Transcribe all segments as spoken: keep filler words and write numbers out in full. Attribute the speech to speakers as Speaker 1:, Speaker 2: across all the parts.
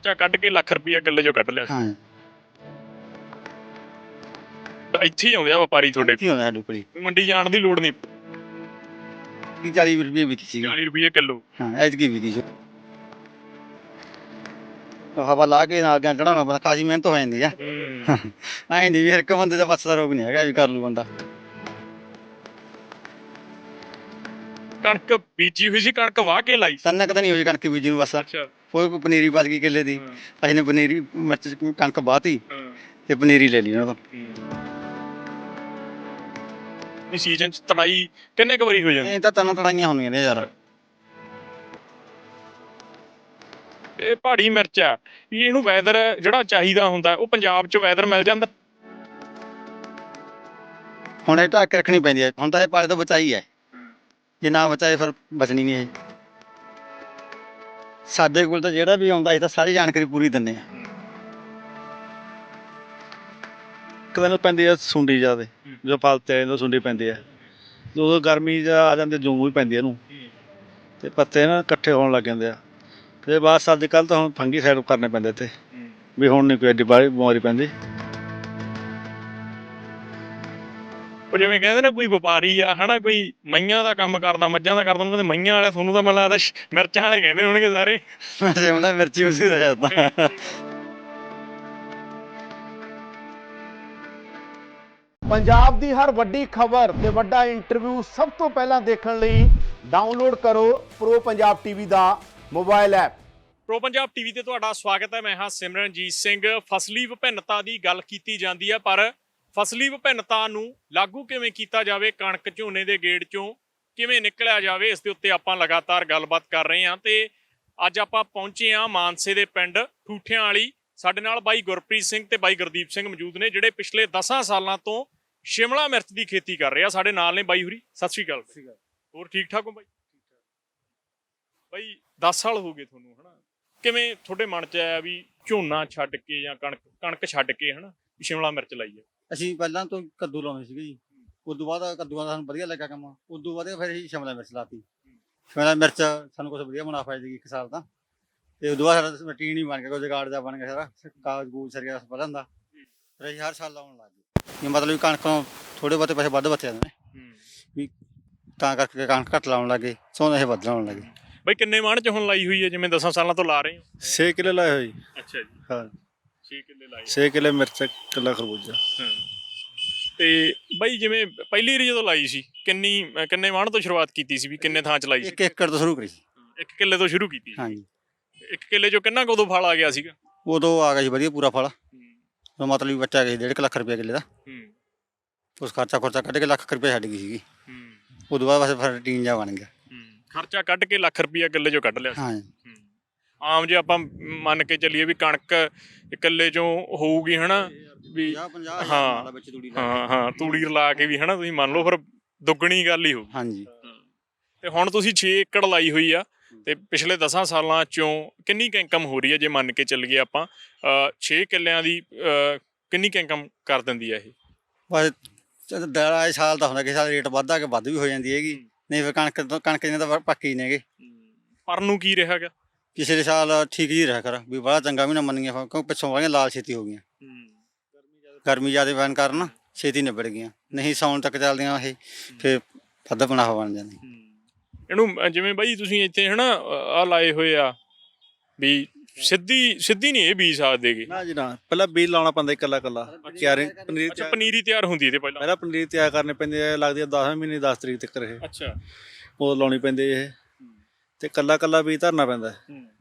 Speaker 1: ਖਰਚਾ ਕੱਢ ਕੇ ਲੱਖ ਰੁਪਈਆ ਕਿੱਲੇ ਚੋਂ ਕੱਢ ਲਿਆ
Speaker 2: ਹਾਂ
Speaker 1: ਇੱਥੇ ਹੀ ਆਉਂਦੇ ਆ ਵਪਾਰੀ ਤੁਹਾਡੇ
Speaker 2: ਕੀ ਹੋਣਾ ਸਾਡੇ ਕੋਲ
Speaker 1: ਮੰਡੀ ਜਾਣ ਦੀ ਲੋੜ ਨਹੀਂ
Speaker 2: ਕੀ ਚਾਲੀ ਰੁਪਏ ਵਿਕੀ ਸੀ
Speaker 1: ਚਾਲੀ ਰੁਪਈਏ ਕਿਲੋ
Speaker 2: ਹਾਂ ਐਤਕੀ ਵਿਕੀ ਸੀ ਹਵਾ ਲਾ ਕੇ ਨਾਲ ਗਿਆ ਚੜਾਉਣਾ ਪੈਂਦਾ ਖਾਸੀ ਮਿਹਨਤ ਹੋ ਜਾਂਦੀ ਆ ਐਂ ਨਹੀਂ ਵੀ ਹਰ ਇੱਕ ਬੰਦੇ ਦਾ ਬੱਸ ਦਾ ਰੋਗ ਨਹੀਂ ਹੈਗਾ ਵੀ ਕਰ ਲੂ ਬੰਦਾ
Speaker 1: ਕਣਕ ਬੀਜੀ ਹੋਈ ਸੀ ਕਣਕ ਵਾਹ ਕੇ ਲਾਈ
Speaker 2: ਸੰਨਾ ਕਦੇ ਨਹੀਂ ਹੋਈ ਕਣਕ ਬੀਜੀ ਨੂੰ ਬਸ
Speaker 1: ਅੱਛਾ
Speaker 2: ਕੋਈ ਕੋਈ ਪਨੀਰੀ ਬਚ ਗਈ ਕਿੱਲੇ ਦੀ ਅਸੀਂ ਨੇ ਪਨੀਰੀ ਮਿਰਚ ਕਣਕ ਬਾਹਤੀ ਤੇ ਪਨੀਰੀ ਲੈ ਲਈ ਉਹਨਾਂ ਤੋਂ
Speaker 1: ਸੀਜ਼ਨ ਚ ਤੜਾਈ ਕਿੰਨੇ ਕੁ ਵਾਰੀ ਹੋ ਜਾਂਦੀ
Speaker 2: ਇਹ ਤਾਂ ਤਨਾਂ ਤੜਾਈਆਂ ਹੁੰਦੀਆਂ ਨੇ ਯਾਰ
Speaker 1: ਇਹ ਪਹਾੜੀ ਮਿਰਚ ਆ ਵੀ ਇਹਨੂੰ ਵੈਦਰ ਜਿਹੜਾ ਚਾਹੀਦਾ ਹੁੰਦਾ ਉਹ ਪੰਜਾਬ ਚ ਵੈਦਰ ਮਿਲ ਜਾਂਦਾ
Speaker 2: ਹੁਣ ਇਹ ਢੱਕ ਕੇ ਰੱਖਣੀ ਪੈਂਦੀ ਹੈ ਹੁਣ ਤਾਂ ਇਹ ਪਾਲੇ ਤੋਂ ਬਚਾਈ ਹੈ ਜੇ ਨਾ ਬਚਾਏ ਫਿਰ ਬਚਣੀ ਨਹੀਂ ਇਹ ਸਾਡੇ ਕੋਲ ਤਾਂ ਜਿਹੜਾ ਵੀ ਆਉਂਦਾ ਅਸੀਂ ਤਾਂ ਸਾਰੀ ਜਾਣਕਾਰੀ ਪੂਰੀ ਦਿੰਦੇ ਆ
Speaker 3: ਇੱਕ ਦਿਨ ਪੈਂਦੀ ਆ ਸੁੰਡੀ ਜ਼ਿਆਦਾ ਜਦੋਂ ਫਲ ਤੇ ਆਉਂਦਾ ਸੁੰਡੀ ਪੈਂਦੀ ਆ ਉਦੋਂ ਗਰਮੀ 'ਚ ਆ ਜਾਂਦੀ ਜੂੰ ਵੀ ਪੈਂਦੀ ਇਹਨੂੰ ਤੇ ਪੱਤੇ ਨਾ ਇਕੱਠੇ ਹੋਣ ਲੱਗ ਜਾਂਦੇ ਆ ਤੇ ਬਸ ਅੱਜ ਕੱਲ੍ਹ ਤਾਂ ਹੁਣ ਫੰਗੀ ਸਾਈਡ ਕਰਨੇ ਪੈਂਦੇ ਇੱਥੇ ਵੀ ਹੁਣ ਨਹੀਂ ਕੋਈ ਐਡੀ ਬਾਹਲੀ ਬਿਮਾਰੀ ਪੈਂਦੀ
Speaker 1: ਉਹ ਜਿਵੇਂ ਕਹਿੰਦੇ ਨਾ ਕੋਈ ਵਪਾਰੀ ਆ ਹਨਾ ਕੋਈ ਮਈਆਂ ਦਾ ਕੰਮ ਕਰਦਾ ਮੱਝਾਂ ਦਾ ਕਰਦਾ ਉਹਨਾਂ ਦੇ ਮਈਆਂ ਵਾਲੇ ਤੁਹਾਨੂੰ ਤਾਂ ਮੈਨੂੰ ਲੱਗਦਾ ਮਿਰਚਾਂ ਵਾਲੇ ਕਹਿੰਦੇ ਹੋਣਗੇ ਸਾਰੇ
Speaker 2: ਵੈਸੇ ਹੁੰਦਾ ਮਿਰਚੀ ਉਸੇ ਦਾ ਜਾਂਦਾ
Speaker 4: ਪੰਜਾਬ ਦੀ ਹਰ ਵੱਡੀ ਖਬਰ ਤੇ ਵੱਡਾ ਇੰਟਰਵਿਊ ਸਭ ਤੋਂ ਪਹਿਲਾਂ ਦੇਖਣ ਲਈ ਡਾਊਨਲੋਡ ਕਰੋ ਪ੍ਰੋ ਪੰਜਾਬ ਟੀਵੀ ਦਾ mobile app
Speaker 1: Pro Punjab TV ਤੇ ਤੁਹਾਡਾ ਸਵਾਗਤ ਹੈ। ਮੈਂ ਹਾਂ ਸਿਮਰਨਜੀਤ ਸਿੰਘ। ਫਸਲੀ ਵਿਭਿੰਨਤਾ ਦੀ ਗੱਲ ਕੀਤੀ ਜਾਂਦੀ ਹੈ ਪਰ ਫਸਲੀ ਵਿਭਿੰਨਤਾ ਨੂੰ ਲਾਗੂ ਕਿਵੇਂ ਕੀਤਾ ਜਾਵੇ, ਕਣਕ ਝੋਨੇ ਦੇ ਗੇੜ ਚੋਂ ਕਿਵੇਂ ਨਿਕਲਿਆ ਜਾਵੇ, ਇਸ ਦੇ ਉੱਤੇ ਆਪਾਂ ਲਗਾਤਾਰ ਗੱਲਬਾਤ ਕਰ ਰਹੇ ਹਾਂ। ਤੇ ਅੱਜ ਆਪਾਂ ਪਹੁੰਚੇ ਹਾਂ ਮਾਨਸੇ ਦੇ ਪਿੰਡ ਠੂਠਿਆਂ ਵਾਲੀ। ਸਾਡੇ ਨਾਲ ਬਾਈ ਗੁਰਪ੍ਰੀਤ ਸਿੰਘ ਤੇ ਬਾਈ ਗੁਰਦੀਪ ਸਿੰਘ ਮੌਜੂਦ ਨੇ ਜਿਹੜੇ ਪਿਛਲੇ ਦਸਾਂ ਸਾਲਾਂ ਤੋਂ ਸ਼ਿਮਲਾ ਮਿਰਚ ਦੀ ਖੇਤੀ ਕਰ ਰਹੇ ਆ। ਸਾਡੇ ਨਾਲ ਨੇ ਬਾਈ ਹੁਰੀ। ਸਤਿ ਸ਼੍ਰੀ ਅਕਾਲ। ਹੋਰ ਠੀਕ ਠਾਕ ਹੋ ਬਾਈ? ਬਾਈ ਦਸ ਸਾਲ ਹੋ ਗਏ ਤੁਹਾਨੂੰ ਹਨਾ, ਕਿਵੇਂ ਤੁਹਾਡੇ ਮਨ 'ਚ ਆਇਆ ਵੀ ਝੋਨਾ ਛੱਡ ਕੇ ਜਾਂ ਕਣਕ ਕਣਕ ਛੱਡ ਕੇ ਹਨਾ ਸ਼ਿਮਲਾ ਮਿਰਚ ਲਾਈ ਹੈ?
Speaker 2: ਅਸੀਂ ਪਹਿਲਾਂ ਤੋਂ ਕੱਦੂ ਲਾਉਂਦੇ ਸੀਗੇ ਜੀ, ਉਦੋਂ ਬਾਅਦ ਕੱਦੂਆਂ ਦਾ ਸਾਨੂੰ ਵਧੀਆ ਲੱਗਾ ਕੰਮ, ਉਦੋਂ ਬਾਅਦ ਫਿਰ ਅਸੀਂ ਸ਼ਿਮਲਾ ਮਿਰਚ ਲਾਤੀ। ਸ਼ਿਮਲਾ ਮਿਰਚ ਸਾਨੂੰ ਕੁਛ ਵਧੀਆ ਮੁਨਾਫਾ ਜੀ ਇੱਕ ਸਾਲ ਦਾ, ਤੇ ਉਦੋਂ ਬਾਅਦ ਸਾਡਾ ਰੂਟੀਨ ਹੀ ਬਣ ਗਿਆ, ਕੋਈ ਜੁਗਾੜ ਦਾ ਬਣ ਗਿਆ ਸਾਰਾ, ਕਾਗਜ਼ ਕੂਜ ਸਰ ਗਿਆ ਵਧਣ ਦਾ, ਫਿਰ ਅਸੀਂ ਹਰ ਸਾਲ ਲਾਉਣ ਲੱਗ ਗਏ। ਇਹ ਮਤਲਬ ਵੀ ਕਣਕ ਥੋੜੇ ਬਹੁਤੇ ਪੈਸੇ ਵੱਧ ਬਚੇ ਜਾਂਦੇ ਨੇ ਵੀ, ਤਾਂ ਕਰਕੇ ਕਣਕ ਘੱਟ ਲਾਉਣ ਲੱਗੇ, ਸੋਹਣੇ ਇਹ ਵੱਧ ਲਾਉਣ ਲੱਗੇ।
Speaker 1: ਬਾਈ ਕਿੰਨੇ ਮਾਣ 'ਚ ਹੁਣ ਲਾਈ ਹੋਈ ਹੈ ਜਿਵੇਂ ਦਸਾਂ ਸਾਲਾਂ ਤੋਂ ਲਾ ਰਹੇ ਹੋ?
Speaker 3: ਛੇ ਕਿੱਲੇ ਲਾਏ ਹੋਏ।
Speaker 1: ਅੱਛਾ ਜੀ,
Speaker 3: ਹਾਂ
Speaker 1: ਛੇ ਕਿੱਲੇ ਲਾਏ।
Speaker 3: ਛੇ ਕਿੱਲੇ ਮਿਰਚ ਕਿੱਲਾ ਖਰਬੂਜਾ।
Speaker 1: ਹਾਂ ਤੇ ਬਾਈ ਜਿਵੇਂ ਪਹਿਲੀ ਵਾਰੀ ਜਦੋਂ ਲਾਈ ਸੀ ਕਿੰਨੀ ਕਿੰਨੇ ਮਾਣ ਤੋਂ ਸ਼ੁਰੂਆਤ ਕੀਤੀ ਸੀ ਵੀ ਕਿੰਨੇ ਥਾਂ 'ਚ ਲਾਈ ਸੀ?
Speaker 2: ਇੱਕ ਏਕੜ ਤੋਂ ਸ਼ੁਰੂ ਕਰੀ ਸੀ।
Speaker 1: ਇੱਕ ਕਿੱਲੇ ਤੋਂ ਸ਼ੁਰੂ ਕੀਤੀ?
Speaker 2: ਹਾਂਜੀ।
Speaker 1: ਇੱਕ ਕਿੱਲੇ 'ਚੋਂ ਕਿੰਨਾ ਕੁ ਉਦੋਂ ਫਲ ਆ ਗਿਆ ਸੀਗਾ?
Speaker 2: ਉਦੋਂ ਆ ਗਿਆ ਸੀ ਵਧੀਆ ਪੂਰਾ ਫਲ, ਮਤਲਬ ਵੀ ਬੱਚਾ ਗਿਆ ਸੀ ਡੇਢ ਕੁ ਲੱਖ ਰੁਪਏ ਕਿੱਲੇ ਦਾ। ਉਸ ਖਰਚਾ ਖਰਚਾ ਕੱਢ ਕੇ ਲੱਖ ਰੁਪਏ ਛੱਡ ਗਈ ਸੀਗੀ। ਉਦੋਂ ਬਾਅਦ ਬਸ ਫਿਰ ਰੂਟੀਨ ਜਿਹਾ ਬਣ ਗਿਆ।
Speaker 1: ਖਰਚਾ ਕੱਢ ਕੇ ਲੱਖ ਰੁਪਈਆ ਕਿੱਲੇ 'ਚੋਂ ਕੱਢ ਲਿਆ?
Speaker 2: ਹਾਂ।
Speaker 1: ਆਮ ਜੇ ਆਪਾਂ ਮੰਨ ਕੇ ਚੱਲੀਏ ਵੀ ਕਣਕ ਕਿੱਲੇ 'ਚੋਂ ਹੋਊਗੀ ਹਨਾ ਵੀ, ਹਾਂ ਹਾਂ ਹਾਂ ਤੂੜੀ ਰਲਾ ਕੇ ਵੀ ਹਨਾ ਤੁਸੀਂ ਮੰਨ ਲਓ ਫਿਰ ਦੁੱਗਣੀ ਗੱਲ ਹੀ ਹੋਊ।
Speaker 2: ਹਾਂਜੀ।
Speaker 1: ਤੇ ਹੁਣ ਤੁਸੀਂ ਛੇ ਏਕੜ ਲਾਈ ਹੋਈ ਆ ਤੇ ਪਿਛਲੇ ਦਸਾਂ ਸਾਲਾਂ ਚੋਂ ਕਿੰਨੀ ਕੁ ਇਨਕਮ ਹੋ ਰਹੀ ਹੈ ਜੇ ਮੰਨ ਕੇ ਚੱਲੀਏ ਆਪਾਂ? ਛੇ ਕਿੱਲਿਆਂ ਦੀ ਕਿੰਨੀ ਕੁ ਇਨਕਮ ਕਰ ਦਿੰਦੀ ਆ ਇਹ?
Speaker 2: ਬਸ ਦਾਲ ਸਾਲ ਦਾ ਹੁੰਦਾ, ਕਿਸੇ ਸਾਲ ਰੇਟ ਵੱਧਦਾ ਕਿ ਵੱਧ ਵੀ ਹੋ ਜਾਂਦੀ ਹੈਗੀ, ਨਹੀਂ ਫਿਰ ਕਣਕ ਕਣਕ ਇਹਨਾਂ ਤਾਂ ਪੱਕੇ ਹੀ ਨੇਗੇ।
Speaker 1: ਪਰ ਨੂੰ ਕੀ ਰਿਹਾ ਗਾ?
Speaker 2: ਪਿਛਲੇ ਸਾਲ ਠੀਕ ਹੀ ਰਿਹਾ ਕਰ ਵੀ ਬੜਾ ਚੰਗਾ ਵੀ ਨਾ ਮੰਨੀਆਂ, ਕਿਉਂਕਿ ਪਿੱਛੋਂ ਵਾਲੀਆਂ ਲਾਲ ਛੇਤੀ ਹੋ ਗਈਆਂ, ਗਰਮੀ ਜ਼ਿਆਦਾ ਪੈਣ ਕਾਰਨ ਛੇਤੀ ਨਿਬੜ ਗਈਆਂ, ਨਹੀਂ ਸਾਉਣ ਤੱਕ ਚੱਲਦੀਆਂ ਇਹ ਫਿਰ ਵੱਧ ਬਣਾ ਬਣ ਜਾਂਦੀ।
Speaker 1: ਇਹਨੂੰ ਜਿਵੇਂ ਬਾਈ ਤੁਸੀਂ ਇੱਥੇ ਹਨਾ ਆ ਲਾਏ ਹੋਏ ਆ ਵੀ ਸਿੱਧੀ ਸਿੱਧੀ ਨਹੀਂ ਇਹ ਬੀਜ ਸਕਦੇ ਗੇ?
Speaker 3: ਨਾ ਜੀ ਨਾ, ਪਹਿਲਾਂ ਬੀਜ ਲਾਉਣਾ ਪੈਂਦਾ ਇਕੱਲਾ ਇਕੱਲਾ। ਕਿਆਰੀ ਪਨੀਰੀ
Speaker 1: ਅੱਛਾ ਪਨੀਰੀ ਤਿਆਰ ਹੁੰਦੀ ਇਹਦੇ ਪਹਿਲਾਂ?
Speaker 3: ਪਹਿਲਾਂ ਪਨੀਰੀ ਤਿਆਰ ਕਰਨੀ ਪੈਂਦੀ ਹੈ, ਲੱਗਦੀ ਹੈ ਦਸਵੇਂ ਮਹੀਨੇ ਦਸ ਤਰੀਕ ਤੱਕ ਇਹ।
Speaker 1: ਅੱਛਾ।
Speaker 3: ਉਹ ਲਾਉਣੀ ਪੈਂਦੀ ਇਹ ਤੇ ਇਕੱਲਾ ਇਕੱਲਾ ਬੀਜ ਧਰਨਾ ਪੈਂਦਾ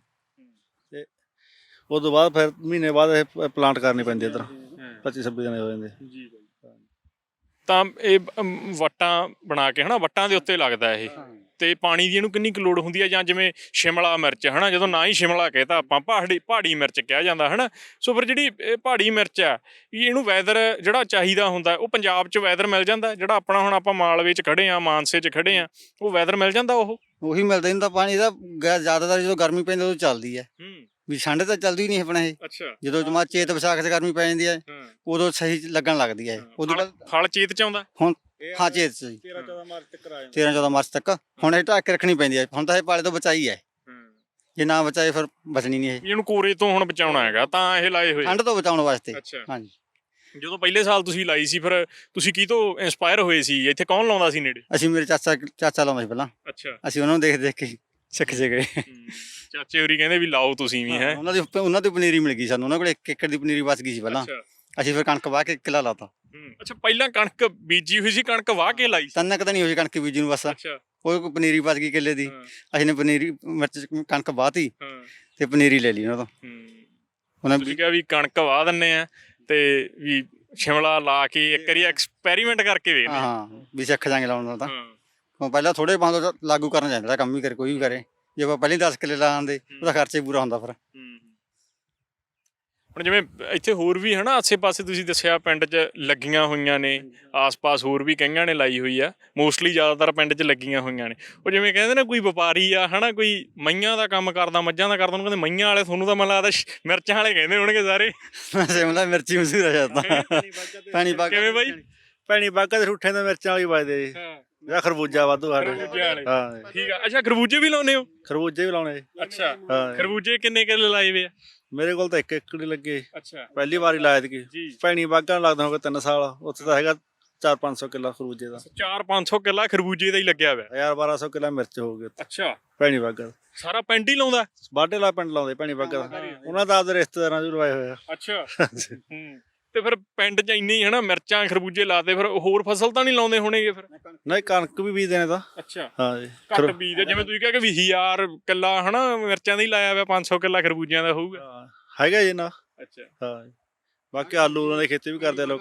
Speaker 3: ਤੇ ਉਸ ਤੋਂ ਬਾਅਦ ਫਿਰ ਮਹੀਨੇ ਬਾਅਦ ਇਹ ਪਲਾਂਟ ਕਰਨੀ ਪੈਂਦੀ ਇੱਧਰ, ਪੱਚੀ ਛੱਬੀ ਦਿਨ ਹੋ ਜਾਂਦੇ।
Speaker 1: ਜੀ ਤਾਂ ਇਹ ਵੱਟਾਂ ਬਣਾ ਕੇ ਹਨਾ ਵੱਟਾਂ ਦੇ ਉੱਤੇ ਲੱਗਦਾ ਇਹ, ਤੇ ਪਾਣੀ ਦੀ ਇਹਨੂੰ ਕਿੰਨੀ ਕੁ ਲੋੜ ਹੁੰਦੀ ਹੈ? ਜਾਂ ਜਿਵੇਂ ਸ਼ਿਮਲਾ ਮਿਰਚ ਹਨਾ, ਜਦੋਂ ਨਾ ਹੀ ਸ਼ਿਮਲਾ ਕਹੇ ਤਾਂ ਆਪਾਂ ਪਹਾੜੀ ਪਹਾੜੀ ਮਿਰਚ ਕਿਹਾ ਜਾਂਦਾ ਹਨਾ, ਸੋ ਫਿਰ ਜਿਹੜੀ ਇਹ ਪਹਾੜੀ ਮਿਰਚ ਆ ਇਹਨੂੰ ਵੈਦਰ ਜਿਹੜਾ ਚਾਹੀਦਾ ਹੁੰਦਾ ਉਹ ਪੰਜਾਬ 'ਚ ਵੈਦਰ ਮਿਲ ਜਾਂਦਾ? ਜਿਹੜਾ ਆਪਣਾ ਹੁਣ ਆਪਾਂ ਮਾਲਵੇ 'ਚ ਖੜੇ ਆ, ਮਾਨਸੇ 'ਚ ਖੜੇ ਆ, ਉਹ ਵੈਦਰ ਮਿਲ ਜਾਂਦਾ? ਉਹ
Speaker 2: ਉਹੀ ਮਿਲਦਾ ਨਹੀਂ ਤਾਂ ਪਾਣੀ ਦਾ ਜ਼ਿਆਦਾਤਰ ਜਦੋਂ ਗਰਮੀ ਪੈਂਦੀ ਉਦੋਂ ਚੱਲਦੀ ਹੈ, ਵੀ ਠੰਡ ਤਾਂ ਚੱਲਦੀ ਨਹੀਂ ਆਪਣਾ ਇਹ।
Speaker 1: ਅੱਛਾ।
Speaker 2: ਜਦੋਂ ਜਮਾ ਚੇਤ ਵਿਸਾਖ 'ਚ ਗਰਮੀ ਪੈ ਜਾਂਦੀ ਹੈ ਉਦੋਂ ਸਹੀ ਲੱਗਣ ਲੱਗਦੀ ਹੈ। ਉਦੋਂ ਬਾਅਦ
Speaker 1: ਫਲ ਚੇਤ 'ਚ ਆਉਂਦਾ
Speaker 2: ਹੁਣ? ਹਾਂ ਚੇਤ 'ਚ ਜੀ,
Speaker 3: ਤੇਰਾਂ ਚੌਦਾਂ ਮਾਰਚ ਤੱਕ ਆ ਜਾਂਦਾ।
Speaker 2: ਤੇਰਾਂ ਚੌਦਾਂ ਮਾਰਚ ਤੱਕ। ਹੁਣ ਇਹ ਢੱਕ ਕੇ ਰੱਖਣੀ ਪੈਂਦੀ ਹੈ, ਹੁਣ ਤਾਂ ਇਹ ਪਾਲੇ ਤੋਂ ਬਚਾਈ ਹੈ, ਜੇ ਨਾ ਬਚਾਏ ਫਿਰ ਬਚਣੀ ਨਹੀਂ ਇਹ।
Speaker 1: ਵੀ ਇਹਨੂੰ ਕੋਰੇ ਤੋਂ ਹੁਣ ਬਚਾਉਣਾ ਹੈਗਾ ਤਾਂ ਇਹ ਲਾਏ ਹੋਏ।
Speaker 2: ਠੰਡ ਤੋਂ ਬਚਾਉਣ ਵਾਸਤੇ।
Speaker 1: ਅੱਛਾ।
Speaker 2: ਹਾਂਜੀ।
Speaker 1: ਜਦੋਂ ਪਹਿਲੇ ਸਾਲ ਤੁਸੀਂ ਲਾਈ ਸੀ ਫਿਰ ਤੁਸੀਂ ਕੀ ਤੋਂ ਇੰਸਪਾਇਰ ਹੋਏ ਸੀ? ਇੱਥੇ ਕੌਣ ਲਾਉਂਦਾ ਸੀ ਨੇੜੇ?
Speaker 2: ਅਸੀਂ ਮੇਰੇ ਚਾਚਾ ਚਾਚਾ ਲਾਉਂਦਾ ਸੀ ਪਹਿਲਾਂ।
Speaker 1: ਅੱਛਾ।
Speaker 2: ਅਸੀਂ ਉਹਨਾਂ ਨੂੰ ਦੇਖ ਦੇਖ ਕੇ ਸਿੱਖ ਜੇ ਗਏ।
Speaker 1: ਚਾਚੇ ਹੋਰੀ ਕਹਿੰਦੇ ਵੀ ਲਾਓ ਤੁਸੀਂ ਵੀ ਹੈ।
Speaker 2: ਉਹਨਾਂ ਦੀ ਉਹਨਾਂ ਦੀ ਪਨੀਰੀ ਮਿਲ ਗਈ ਸਾਨੂੰ, ਉਹਨਾਂ ਕੋਲ ਇੱਕ ਏਕੜ ਦੀ ਪਨੀਰੀ ਬਚ ਗਈ ਸੀ ਪਹਿਲਾਂ। ਅਸੀਂ ਫਿਰ ਕਣਕ ਵਾਹ ਕੇ ਕਿੱਲਾ ਲਾਤਾ।
Speaker 1: ਅੱਛਾ, ਪਹਿਲਾਂ ਕਣਕ ਬੀਜੀ ਹੋਈ ਸੀ, ਕਣਕ ਵਾਹ ਕੇ ਲਾਈ ਸੀ?
Speaker 2: ਤਿੰਨ ਕਦਾ ਨਹੀਂ ਹੋਈ ਕਣਕ ਬੀਜੀ ਨੂੰ ਬਸ।
Speaker 1: ਅੱਛਾ।
Speaker 2: ਉਹ ਪਨੀਰੀ ਬਚ ਗਈ ਕਿੱਲੇ ਦੀ, ਅਸੀਂ ਨੇ ਪਨੀਰੀ ਮਿਰਚ ਕਣਕ ਵਾਹਤੀ
Speaker 1: ਹਾਂ
Speaker 2: ਤੇ ਪਨੀਰੀ ਲੈ ਲਈ ਉਹਨਾਂ ਤੋਂ। ਉਹਨਾਂ
Speaker 1: ਤੁਸੀਂ ਕਿਹਾ ਵੀ ਕਣਕ ਵਾਹ ਦਿੰਨੇ ਆ ਤੇ ਵੀ ਸ਼ਿਮਲਾ ਲਾ ਕੇ ਇੱਕ ਵਾਰੀ ਐਕਸਪੈਰੀਮੈਂਟ ਕਰਕੇ ਵੇਖਦੇ
Speaker 2: ਹਾਂ ਹਾਂ ਵੀ ਸਿੱਖ ਜਾਾਂਗੇ ਲਾਉਣ ਦਾ ਤਾਂ।
Speaker 1: ਹਾਂ।
Speaker 2: ਪਹਿਲਾਂ ਥੋੜੇ ਬੰਦ ਲਾਗੂ ਕਰਨਾ ਚਾਹੀਦਾ ਕੰਮ ਵੀ ਕਰੇ ਕੋਈ ਵੀ ਕਰੇ। ਜੇ ਆਪਾਂ ਪਹਿਲੇ ਦਸ ਕਿੱਲੇ ਲਾਉਂਦੇ ਉਹਦਾ ਖਰਚਾ ਹੀ ਪੂਰਾ ਹੁੰਦਾ ਫਿਰ।
Speaker 1: ਹੁਣ ਜਿਵੇਂ ਇੱਥੇ ਹੋਰ ਵੀ ਹਨਾ ਆਸੇ ਪਾਸੇ ਤੁਸੀਂ ਦੱਸਿਆ ਪਿੰਡ 'ਚ ਲੱਗੀਆਂ ਹੋਈਆਂ ਨੇ, ਆਸ-ਪਾਸ ਹੋਰ ਵੀ ਕਈਆਂ ਨੇ ਲਾਈ ਹੋਈ ਆ, ਮੋਸਟਲੀ ਜ਼ਿਆਦਾਤਰ ਪਿੰਡ 'ਚ ਲੱਗੀਆਂ ਹੋਈਆਂ ਨੇ। ਉਹ ਜਿਵੇਂ ਕਹਿੰਦੇ ਨਾ ਕੋਈ ਵਪਾਰੀ ਆ ਹਨਾ, ਕੋਈ ਮਈਆਂ ਦਾ ਕੰਮ ਕਰਦਾ, ਮੱਝਾਂ ਦਾ ਕਰਦਾ, ਉਹਨੂੰ ਕਹਿੰਦੇ ਮਈਆਂ ਵਾਲੇ, ਤੁਹਾਨੂੰ ਤਾਂ ਮੈਨੂੰ ਲੱਗਦਾ ਮਿਰਚਾਂ ਵਾਲੇ ਕਹਿੰਦੇ ਹੋਣਗੇ ਸਾਰੇ।
Speaker 2: ਸ਼ਿਮਲਾ ਮਿਰਚੀ ਮਸ਼ਹੂਰ ਆ ਜਾਂਦਾ। ਪਾਣੀ ਪਾ
Speaker 1: ਕਿਵੇਂ ਬਾਈ?
Speaker 3: ਭੈਣੀ ਬਾਗਾ ਦੇ ਠੂਠੇ ਦਾ ਮਿਰਚਾਂ ਵਾਲੀ ਵੱਜਦੇ ਜੀ, ਜਾਂ ਖਰਬੂਜਾ ਵਾਧੂ ਸਾਡੇ।
Speaker 1: ਹਾਂ ਠੀਕ ਆ। ਅੱਛਾ, ਖਰਬੂਜੇ ਵੀ ਲਾਉਂਦੇ ਹੋ?
Speaker 3: ਖਰਬੂਜੇ ਵੀ ਲਾਉਣੇ।
Speaker 1: ਅੱਛਾ।
Speaker 3: ਹਾਂ।
Speaker 1: ਖਰਬੂਜੇ ਕਿੰਨੇ ਕਿੱਲੇ ਲਾਏ ਵੇ ਆ?
Speaker 3: ਮੇਰੇ ਕੋਲ ਤਾਂ ਇੱਕ ਏਕੜ ਹੀ ਲੱਗੇ।
Speaker 1: ਅੱਛਾ।
Speaker 3: ਪਹਿਲੀ ਵਾਰੀ ਲਾਇਆ ਸੀ।
Speaker 1: ਜੀ।
Speaker 3: ਭੈਣੀ ਬਾਗਾ ਲੱਗਦਾ ਹੋਗਾ ਤਿੰਨ ਸਾਲ, ਉੱਥੇ ਤਾਂ ਹੈਗਾ ਚਾਰ ਪੰਜ ਸੌ ਕਿੱਲਾ ਖਰਬੂਜੇ ਦਾ।
Speaker 1: ਚਾਰ ਪੰਜ ਸੌ ਕਿੱਲਾ ਖਰਬੂਜੇ ਦਾ ਹੀ ਲੱਗਿਆ ਹੋਇਆ।
Speaker 3: ਹਜ਼ਾਰ ਬਾਰਾਂ ਸੌ ਕਿੱਲਾ ਮਿਰਚ ਹੋ ਗਈ
Speaker 1: ਅੱਛਾ।
Speaker 3: ਭੈਣੀ ਬਾਗਾ ਦਾ।
Speaker 1: ਸਾਰਾ ਪਿੰਡ ਹੀ ਲਾਉਂਦਾ?
Speaker 3: ਬਾਢੇ ਲਾ ਪਿੰਡ ਲਾਉਂਦੇ ਭੈਣੀ ਬਾਗਾ ਦਾ, ਉਹਨਾਂ ਦਾ ਆਪਦੇ ਰਿਸ਼ਤੇਦਾਰਾਂ ਚ ਲਵਾਏ ਹੋਏ ਆ।
Speaker 1: ਅੱਛਾ। ਹੂੰ। ਤੇ ਫਿਰ ਪਿੰਡ 'ਚ ਇੰਨੀ ਹਨਾ ਮਿਰਚਾਂ ਖਰਬੂਜੇ ਲਾਤੇ, ਫਿਰ ਹੋਰ ਫਸਲ ਤਾਂ ਨਹੀਂ ਲਾਉਂਦੇ ਹੋਣਗੇ ਫਿਰ?
Speaker 3: ਨਹੀਂ, ਕਣਕ ਵੀ ਬੀਜਦੇ ਨੇ ਤਾਂ।
Speaker 1: ਅੱਛਾ।
Speaker 3: ਹਾਂ ਜੀ।
Speaker 1: ਘੱਟ ਬੀਜਦੇ, ਜਿਵੇਂ ਤੁਸੀਂ ਕਿਹਾ ਕਿ ਵੀ ਹਜ਼ਾਰ ਕਿੱਲਾ ਹਨਾ ਮਿਰਚਾਂ ਦਾ ਹੀ ਲਾਇਆ ਹੋਇਆ, ਪੰਜ ਸੌ ਕਿੱਲਾ ਖਰਬੂਜਿਆਂ ਦਾ ਹੋਊਗਾ।
Speaker 3: ਹੈਗਾ ਜੀ ਨਾ।
Speaker 1: ਅੱਛਾ।
Speaker 3: ਹਾਂ। ਬਾਕੀ ਆਲੂ ਉਹਨਾਂ ਦੀ ਖੇਤੀ ਵੀ ਕਰਦੇ ਆ ਲੋਕ।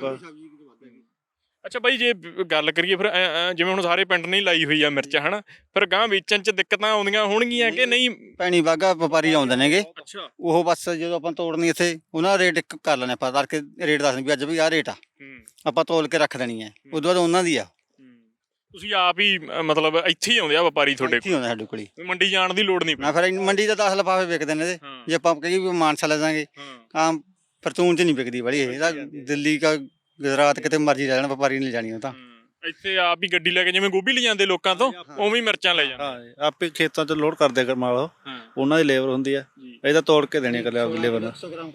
Speaker 1: ਅੱਛਾ ਬਾਈ, ਜੇ ਗੱਲ ਕਰੀਏ ਫਿਰ ਜਿਵੇਂ ਹੁਣ ਸਾਰੇ ਪਿੰਡ ਨੇ ਲਾਈ ਹੋਈ ਆ ਮਿਰਚ ਹਨਾ, ਫਿਰ ਗਾਂ ਵੇਚਣ 'ਚ ਦਿੱਕਤਾਂ ਆਉਂਦੀਆਂ ਹੋਣਗੀਆਂ ਕਿ ਨਹੀਂ?
Speaker 2: ਭੈਣੀ ਬਾਗਾ ਵਪਾਰੀ ਆਉਂਦੇ ਨੇਗੇ।
Speaker 1: ਅੱਛਾ।
Speaker 2: ਉਹ ਬਸ ਜਦੋਂ ਆਪਾਂ ਤੋੜਨੀ ਇੱਥੇ ਉਹਨਾਂ ਦਾ ਰੇਟ ਇੱਕ ਕਰ ਲੈਣੇ ਆਪਾਂ, ਤੜਕੇ ਰੇਟ ਦੱਸਦੇ ਵੀ ਅੱਜ ਵੀ ਆਹ ਰੇਟ ਆ, ਆਪਾਂ ਤੋਲ ਕੇ ਰੱਖ ਦੇਣੀ ਹੈ। ਉਦੋਂ ਬਾਅਦ ਉਹਨਾਂ ਦੀ ਆ।
Speaker 1: ਤੁਸੀਂ ਆਪ ਹੀ ਮਤਲਬ ਇੱਥੇ ਹੀ ਆਉਂਦੇ ਆ ਵਪਾਰੀ ਤੁਹਾਡੇ
Speaker 2: ਕੋਲ? ਆਉਂਦਾ ਸਾਡੇ ਕੋਲ,
Speaker 1: ਮੰਡੀ ਜਾਣ ਦੀ ਲੋੜ ਨਹੀਂ
Speaker 2: ਨਾ। ਫਿਰ ਮੰਡੀ ਦਾ ਦਸ ਲਿਫਾਫੇ ਵਿਕਦੇ ਨੇ ਇਹਦੇ। ਜੇ ਆਪਾਂ ਕਹੀਏ ਵੀ ਮਾਨਸਾ ਲੈ ਜਾਾਂਗੇ, ਆਮ ਫਰਚੂਨ 'ਚ ਨਹੀਂ ਵਿਕਦੀ ਬੜੀ ਇਹ ਤਾਂ। ਦਿੱਲੀ ਕਾ ਗੁਜਰਾਤ ਕਿਤੇ ਮਰਜ਼ੀ ਲੈ ਜਾਣ, ਵਪਾਰੀ ਨਹੀਂ ਜਾਣੀ ਉਹ ਤਾਂ।
Speaker 1: ਇੱਥੇ ਆਪ ਹੀ ਗੱਡੀ ਲੈ ਕੇ ਜਿਵੇਂ ਗੋਭੀ ਲੈ ਜਾਂਦੇ ਲੋਕਾਂ ਤੋਂ, ਉਵੇਂ ਮਿਰਚਾਂ ਲੈ ਜਾਂਦੇ।
Speaker 3: ਹਾਂ, ਆਪੇ ਖੇਤਾਂ 'ਚ ਲੋਡ ਕਰਦੇ ਕਰ ਮਾਲ, ਉਹਨਾਂ ਦੀ ਲੇਬਰ ਹੁੰਦੀ ਆ। ਇਹ ਤਾਂ ਤੋੜ ਕੇ ਦੇਣੀ ਇਕੱਲੇ ਆਪਦੀ ਲੇਬਰ ਨੂੰ।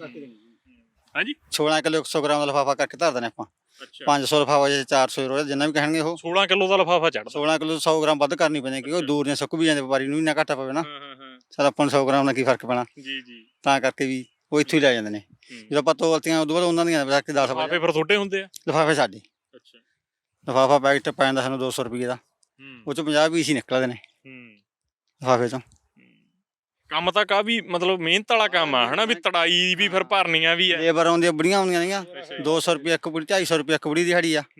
Speaker 1: ਹਾਂਜੀ।
Speaker 2: ਸੋਲਾਂ ਕਿਲੋ ਇੱਕ ਸੌ ਗ੍ਰਾਮ ਦਾ ਲਿਫਾਫਾ ਕਰਕੇ ਧਰ ਦੇਣੇ ਆਪਾਂ।
Speaker 1: ਅੱਛਾ।
Speaker 2: ਪੰਜ ਸੌ ਲਿਫਾਫਾ ਜੇ ਚਾਰ ਸੌ ਰੁਪਏ ਜਿੰਨਾ ਵੀ ਕਹਿਣਗੇ ਉਹ।
Speaker 1: ਸੋਲਾਂ ਕਿਲੋ ਦਾ ਲਿਫਾਫਾ ਚੜਦਾ।
Speaker 2: ਸੋਲਾਂ ਕਿਲੋ ਸੌ ਗ੍ਰਾਮ ਵੱਧ ਕਰਨੀ ਪੈਂਦੀ ਕਿਉਂਕਿ ਉਹ ਦੂਰ ਨੇ ਸੁੱਕ ਵੀ ਜਾਂਦੇ, ਵਪਾਰੀ ਨੂੰ ਵੀ ਨਾ ਘਾਟਾ ਪਵੇ ਨਾ। ਸਰ ਆਪਾਂ ਨੂੰ ਸੌ ਗ੍ਰਾਮ ਨਾਲ ਕੀ ਫਰਕ ਪੈਣਾ।
Speaker 1: ਜੀ ਜੀ।
Speaker 2: ਤਾਂ ਕਰਕੇ ਵੀ ਉਹ ਇੱਥੋਂ ਹੀ ਲੈ ਜਾਂਦੇ ਨੇ। ਜਦੋਂ ਆਪਾਂ ਤੋਲਤੀਆਂ ਉਦੋਂ ਬਾਅਦ ਉਹਨਾਂ ਦੀਆਂ ਕੇ ਦਸ
Speaker 1: ਲਿਫਾਫੇ ਫਿਰ ਤੁਹਾਡੇ ਹੁੰਦੇ ਆ?
Speaker 2: ਲਿਫਾਫੇ ਸਾਡੇ।
Speaker 1: ਅੱਛਾ।
Speaker 2: ਲਿਫਾਫਾ ਪੈਕਟ ਪੈ ਜਾਂਦਾ ਸਾਨੂੰ ਦੋ ਸੌ ਰੁਪਏ ਦਾ, ਉਹ 'ਚ ਪੰਜਾਹ ਪੀਸ ਹੀ ਨਿਕਲਦੇ ਨੇ ਲਿਫਾਫੇ 'ਚੋਂ।
Speaker 1: ਕੰਮ ਤਾਂ ਕਾਫੀ ਮਤਲਬ ਮਿਹਨਤ ਵਾਲਾ ਕੰਮ ਆ ਹਨਾ, ਵੀ ਤੜਾਈ ਵੀ ਫਿਰ ਭਰਨੀਆਂ ਵੀ ਆ।
Speaker 2: ਲੇਬਰ ਆਉਂਦੀਆਂ ਬੜੀਆਂ ਆਉਂਦੀਆਂ ਨੇਗੀਆਂ, ਦੋ ਸੌ ਰੁਪਏ ਇੱਕ ਬੁੜੀ, ਢਾਈ ਸੌ ਰੁਪਏ ਇੱਕ ਬੁੜੀ ਦਿਹਾੜੀ ਆ।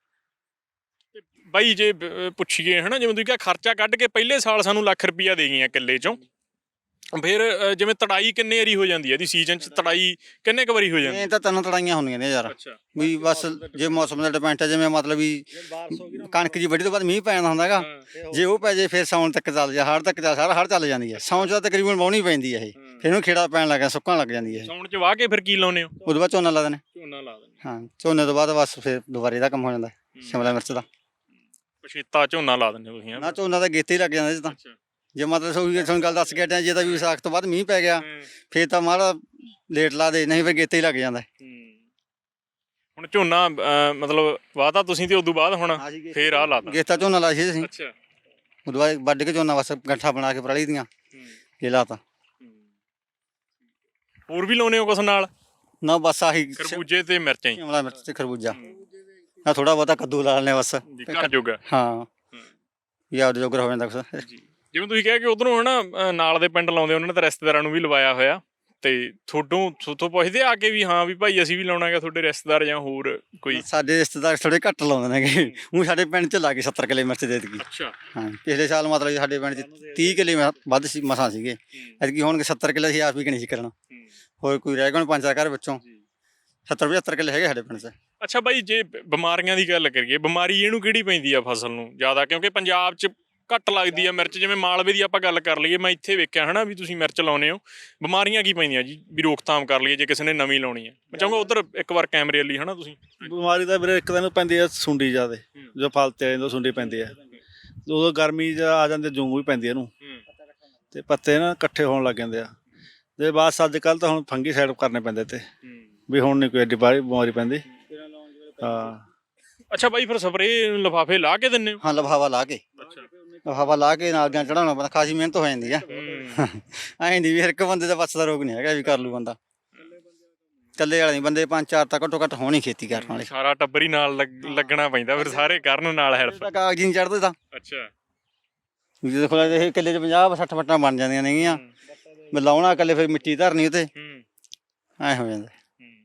Speaker 1: ਬਾਈ ਜੇ ਪੁੱਛੀਏ ਹਨਾ, ਜਿਵੇਂ ਤੁਸੀਂ ਕਿਹਾ ਖਰਚਾ ਕੱਢ ਕੇ ਪਹਿਲੇ ਸਾਲ ਸਾਨੂੰ ਲੱਖ ਰੁਪਈਆ ਦੇ ਗਈਆਂ ਕਿੱਲੇ 'ਚੋਂ, ਫਿਰ ਜਿਵੇਂ ਤੜਾਈ ਕਿੰਨੇ ਵਾਰੀ ਹੋ ਜਾਂਦੀ ਹੈ ਇਹਦੀ ਸੀਜ਼ਨ 'ਚ? ਤੜਾਈ ਕਿੰਨੇ ਕੁ ਵਾਰੀ ਹੋ ਜਾਂਦੀ?
Speaker 2: ਇਹ ਤਾਂ ਤਿੰਨ ਤੜਾਈਆਂ ਹੁੰਦੀਆਂ ਨੇ ਯਾਰ, ਵੀ ਬਸ ਜੇ ਮੌਸਮ ਦਾ ਡਿਪੈਂਡ ਹੈ। ਜਿਵੇਂ ਮਤਲਬ ਵੀ ਕਣਕ ਜੀ ਵੱਢੀ ਤੋਂ ਬਾਅਦ ਮੀਂਹ ਪੈਣਾ ਹੁੰਦਾ ਹੈਗਾ, ਜੇ ਉਹ ਪੈ ਜੇ ਫਿਰ ਸਾਉਣ ਤੱਕ ਚੱਲ ਜਾ, ਹਾੜ ਤੱਕ ਚੱਲ, ਸਾਰਾ ਹਾੜ ਚੱਲ ਜਾਂਦੀ ਹੈ। ਸਾਉਣ 'ਚ ਤਾਂ ਤਕਰੀਬਨ ਵਾਹੁਣੀ ਪੈਂਦੀ ਹੈ ਇਹ, ਫਿਰ ਇਹਨੂੰ ਖੇੜਾ ਪੈਣ ਲੱਗ ਗਿਆ, ਸੁੱਕਣ ਲੱਗ ਜਾਂਦੀ ਹੈ।
Speaker 1: ਸਾਉਣ 'ਚ ਵਾਹ ਕੇ ਫਿਰ ਕੀ ਲਾਉਂਦੇ ਹੋ?
Speaker 2: ਉਦੋਂ ਬਾਅਦ ਝੋਨਾ ਲਾ ਦੇਣੇ।
Speaker 1: ਝੋਨਾ ਲਾ ਦਿੰਦੇ।
Speaker 2: ਹਾਂ, ਝੋਨੇ ਤੋਂ ਬਾਅਦ ਬਸ ਫਿਰ ਦੁਬਾਰੇ ਦਾ ਕੰਮ ਹੋ ਜਾਂਦਾ ਸ਼ਿਮਲਾ ਮਿਰਚ ਦਾ।
Speaker 1: ਪਛੇਤਾ ਝੋਨਾ ਲਾ ਦਿੰਦੇ ਤੁਸੀਂ?
Speaker 2: ਨਾ, ਝੋਨਾ ਤਾਂ ਗੇਤੇ ਹੀ ਲੱਗ ਜਾਂਦਾ ਜੀ ਤਾਂ। ਜੇ ਮਤਲਬ ਸੋਈ ਤੁਹਾਨੂੰ ਗੱਲ ਦੱਸ ਕੇ ਹਟਿਆ, ਜੇ ਤਾਂ ਵੀ ਵਿਸਾਖ ਤੋਂ ਬਾਅਦ ਮੀਂਹ ਪੈ ਗਿਆ ਫੇਰ ਤਾਂ ਮਾੜਾ ਲੇਟ ਲਾ ਦੇ, ਨਹੀਂ ਫਿਰ ਗੇਤੇ ਹੀ ਲੱਗ ਜਾਂਦਾ।
Speaker 1: ਹੁਣ ਝੋਨਾ ਮਤਲਬ ਵਾਹਤਾ ਤੁਸੀਂ ਤੇ ਉਦੋਂ ਬਾਅਦ ਹੁਣ ਫੇਰ ਆਹ ਲਾਤਾ?
Speaker 2: ਗੇਤਾ ਝੋਨਾ ਲਾਇਆ ਸੀ ਅਸੀਂ।
Speaker 1: ਅੱਛਾ।
Speaker 2: ਉਦੋਂ ਬਾਅਦ ਵੱਢ ਕੇ ਝੋਨਾ ਬਸ ਗੱਠਾ ਬਣਾ ਕੇ ਪਰਾਲੀ ਦੀਆਂ ਇਹ ਲਾਤਾ।
Speaker 1: ਹੋਰ ਵੀ ਲਾਉਨੇ ਹੋ ਕੁਛ ਨਾਲ?
Speaker 2: ਨਾ, ਬਸ ਆਹੀ
Speaker 1: ਖਰਬੂਜੇ ਤੇ ਮਿਰਚਾਂ ਹੀ?
Speaker 2: ਸ਼ਿਮਲਾ ਮਿਰਚ ਤੇ ਖਰਬੂਜਾ, ਆ ਥੋੜਾ ਬਹੁਤਾ ਕੱਦੂ ਲਾ ਲੈਣੇ ਬਸ
Speaker 1: ਘਰ ਜੋਗਾ।
Speaker 2: ਹਾਂ, ਯਾਦ ਜੋਗਰ ਹੋ ਜਾਂਦਾ ਕੁਛ।
Speaker 1: ਜਿਵੇਂ ਤੁਸੀਂ ਕਿਹਾ ਕਿ ਉਧਰੋਂ ਹਨਾ ਨਾਲ ਦੇ ਪਿੰਡ ਲਾਉਂਦੇ, ਉਹਨਾਂ ਨੇ ਤਾਂ ਰਿਸ਼ਤੇਦਾਰਾਂ ਨੂੰ ਵੀ ਲਵਾਇਆ ਹੋਇਆ, ਤੇ ਤੁਹਾਡੋਂ ਤੁਹਾਥੋਂ ਪੁੱਛਦੇ ਆ ਕੇ ਵੀ ਹਾਂ ਵੀ ਭਾਈ ਅਸੀਂ ਵੀ ਲਾਉਣਾ ਹੈਗਾ, ਤੁਹਾਡੇ ਰਿਸ਼ਤੇਦਾਰ ਜਾਂ ਹੋਰ ਕੋਈ?
Speaker 2: ਸਾਡੇ ਰਿਸ਼ਤੇਦਾਰ ਥੋੜੇ ਘੱਟ ਲਾਉਂਦੇ ਨੇਗੇ, ਉਹ ਸਾਡੇ ਪਿੰਡ 'ਚ ਲਾ ਕੇ ਸੱਤਰ ਕਿੱਲੇ ਮਿਰਚ ਦੇ ਦਿੱਤੀ।
Speaker 1: ਅੱਛਾ।
Speaker 2: ਹਾਂ, ਪਿਛਲੇ ਸਾਲ ਮਤਲਬ ਸਾਡੇ ਪਿੰਡ 'ਚ ਤੀਹ ਕਿੱਲੇ ਵੱਧ ਸੀ ਮਸਾਂ ਸੀਗੇ, ਐਤਕੀ ਹੋਣਗੇ ਸੱਤਰ ਕਿੱਲੇ। ਅਸੀਂ ਆਪ ਵੀ ਕਿ ਨਹੀਂ ਸੀ ਕਰਨਾ, ਹੋਰ ਕੋਈ ਰਹਿ ਗਏ ਪੰਜ ਚਾਰ ਘਰ ਵਿੱਚੋਂ। ਸੱਤਰ ਪਝੱਤਰ ਕਿੱਲੇ ਹੈਗੇ ਸਾਡੇ ਪਿੰਡ 'ਚ।
Speaker 1: ਅੱਛਾ ਬਾਈ, ਜੇ ਬਿਮਾਰੀਆਂ ਦੀ ਗੱਲ ਕਰੀਏ, ਬਿਮਾਰੀ ਇਹਨੂੰ ਕਿਹੜੀ ਪੈਂਦੀ ਆ ਫਸਲ ਨੂੰ ਜ਼ਿਆਦਾ? ਕਿਉਂਕਿ ਪੰਜਾਬ 'ਚ ਘੱਟ ਲੱਗਦੀ ਆ ਮਿਰਚ, ਜਿਵੇਂ ਮਾਲਵੇ ਦੀ ਆਪਾਂ ਗੱਲ ਕਰ ਲਈਏ, ਮੈਂ ਇੱਥੇ ਵੇਖਿਆ ਹਨਾ ਵੀ ਤੁਸੀਂ ਮਿਰਚ ਲਾਉਨੇ ਹੋ, ਬਿਮਾਰੀਆਂ ਕੀ ਪੈਂਦੀਆਂ ਜੀ ਵੀ ਰੋਕਥਾਮ ਕਰ ਲਈਏ ਜੇ ਕਿਸੇ ਨੇ ਨਵੀਂ ਲਾਉਣੀ ਹੈ? ਮੈਂ ਚਾਹੂੰਗਾ ਉਧਰ ਇੱਕ ਵਾਰ ਕੈਮਰੇ ਵਾਲੀ ਹਨਾ ਤੁਸੀਂ।
Speaker 3: ਬਿਮਾਰੀ ਤਾਂ ਵੀਰੇ ਇੱਕ ਦਿਨ ਪੈਂਦੀ ਆ ਸੁੰਡੀ ਜ਼ਿਆਦੇ, ਜੋ ਫਲ ਤੇ ਆ ਜਾਂਦਾ ਸੁੰਡੀ ਪੈਂਦੀ ਆ, ਉਦੋਂ ਗਰਮੀ 'ਚ ਆ ਜਾਂਦੇ ਜੂੰ ਵੀ ਪੈਂਦੀ ਇਹਨੂੰ, ਤੇ ਪੱਤੇ ਨਾ ਇਕੱਠੇ ਹੋਣ ਲੱਗ ਜਾਂਦੇ ਆ ਤੇ ਬਸ ਅੱਜ ਕੱਲ੍ਹ ਤਾਂ ਹੁਣ ਫੰਗੀ ਸਾਈਡ ਕਰਨੇ ਪੈਂਦੇ ਤੇ ਵੀ ਹੁਣ ਨਹੀਂ ਕੋਈ ਐਡੀ ਬਾਹਰੀ ਬਿਮਾਰੀ ਪੈਂਦੀ ਹਾਂ।
Speaker 2: ਅੱਛਾ
Speaker 1: ਬਾਈ ਫਿਰ ਸਪਰੇਅ ਲਿਫਾਫੇ ਲਾ ਕੇ ਦਿੰਦੇ ਹੋ?
Speaker 2: ਹਾਂ ਲਫਾਵਾ ਲਾ ਕੇ ਹਵਾ ਲਾ ਕੇ ਨਾਲ ਗਿਆ ਚੜਾਉਣਾ ਪੈਂਦਾ, ਖਾਸੀ ਮਿਹਨਤ ਹੋ ਜਾਂਦੀ ਆ। ਐਂ ਨਹੀਂ ਵੀ ਹਰ ਇੱਕ ਬੰਦੇ ਦਾ ਵੱਸ ਦਾ ਰੋਗ ਨਹੀਂ ਹੈਗਾ ਵੀ ਕਰ ਲੂ ਬੰਦਾ, ਇਕੱਲੇ ਵਾਲੇ ਨਹੀਂ ਬੰਦੇ ਪੰਜ ਚਾਰ ਤਾਂ ਘੱਟੋ ਘੱਟ ਹੋਣੀ ਖੇਤੀ ਕਰਨ ਵਾਲੇ।
Speaker 1: ਸਾਰਾ ਟੱਬਰ ਹੀ ਨਾਲ ਲੱਗ- ਲੱਗਣਾ ਪੈਂਦਾ ਫਿਰ ਸਾਰੇ ਕਰਨ ਨਾਲ ਹੈਲਪ।
Speaker 2: ਕਾਗਜ਼ ਨਹੀਂ ਚੜਦੇ ਤਾਂ
Speaker 1: ਅੱਛਾ
Speaker 2: ਵੀ ਦੇਖੋ ਇਹ ਕਿੱਲੇ 'ਚ ਪੰਜਾਹ ਸੱਠ ਫੱਟਾਂ ਬਣ ਜਾਂਦੀਆਂ ਨੇਗੀਆਂ, ਮੈਂ ਲਾਉਣਾ ਇਕੱਲੇ ਫਿਰ ਮਿੱਟੀ ਧਰਨੀ ਉਤੇ ਐਂ ਹੋ ਜਾਂਦਾ।